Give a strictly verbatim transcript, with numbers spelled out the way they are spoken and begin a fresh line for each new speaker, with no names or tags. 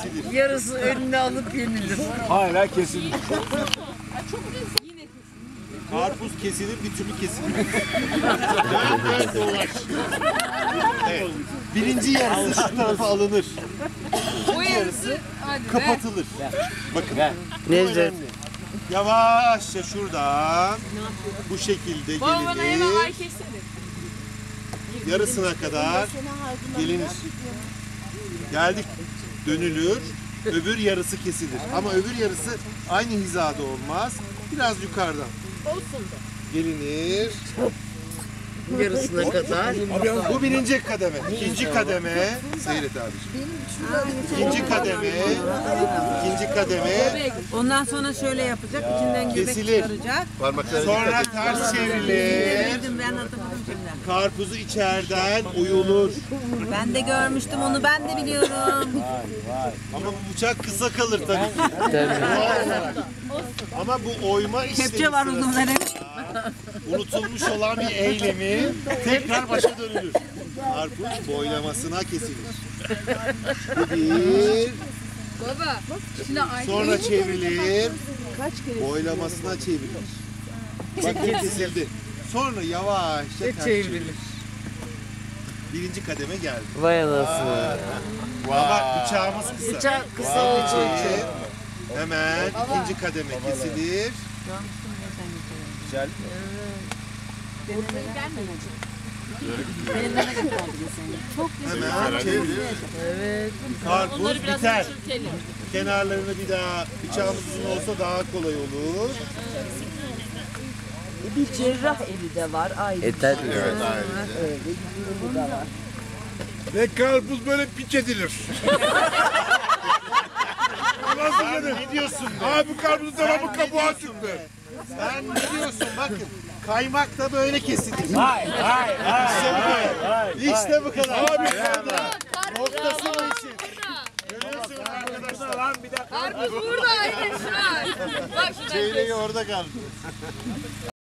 kesilir.
Yarısı önüne alıp yenilir.
Hala kesilir.
Karpuz kesilir, bir türlü kesilmez. Dön dön dolaş. Evet. Birinci yarısı şu tarafa alınır. İkinci yarısı kapatılır. Bakın. Bu önemli. Yavaşça şuradan bu şekilde gelinir. Yarısına kadar gelinir. Geldik. Dönülür. Öbür yarısı kesilir. Ama öbür yarısı aynı hizada olmaz. Biraz yukarıdan. Gelinir.
Yarısına kadar.
Bu birinci kademe. İkinci kademe. Seyret abiciğim. İkinci kademe. İkinci kademe.
Ondan sonra şöyle yapacak, içinden göbek
Kesilir.
çıkaracak.
Sonra ters çevrilir.
Bildim, ben hatırladım şimdi.
Karpuzu içeriden oyulur.
Ben de görmüştüm onu, ben de biliyorum.
Ama bu bıçak kısa kalır tabii ki. Doğal olarak. Ama bu oyma işlemi
Kepçe var
sırasında
uzunları.
unutulmuş olan bir eylemi tekrar başa dönülür. Karpuz boylamasına kesilir. Bu bir.
Baba, şimdi aynı
Sonra çevrilir. Boylamasına çevrilir. Bakın kesildi. Sonra yavaşça ters çevrilir. Birinci kademe geldi.
Vay anasını.
Ama bıçağımız kısa.
Bıçak kısa olduğu için.
Hemen ikinci kademe kesilir. Güzel. Hemen çevirilir.
Evet.
Karpuz biter. Kenarlarını bir daha bıçağımız uzun olsa daha kolay olur.
Bir cerrah evi de var. Ayrı. E tabii.
Evet,
Öyle bir durumu da var.
Ve karpuz böyle piç edilir. Nasıl
Sen
dedim?
ne diyorsun be?
Abi karpuzun tarafı
Sen
kabuğa
ne diyorsun
çıktı.
be? Sen ne diyorsun? Bakın. Kaymak da böyle kesilir.
Hayır, hayır,
İşte bu kadar. İşte bu kadar.
Abi,
noktası bu işin. Görüyorsunuz arkadaşlar. Lan bir dakika.
Karpuz burada aynen şu an. Bak şu
Çeyreği orada kaldı.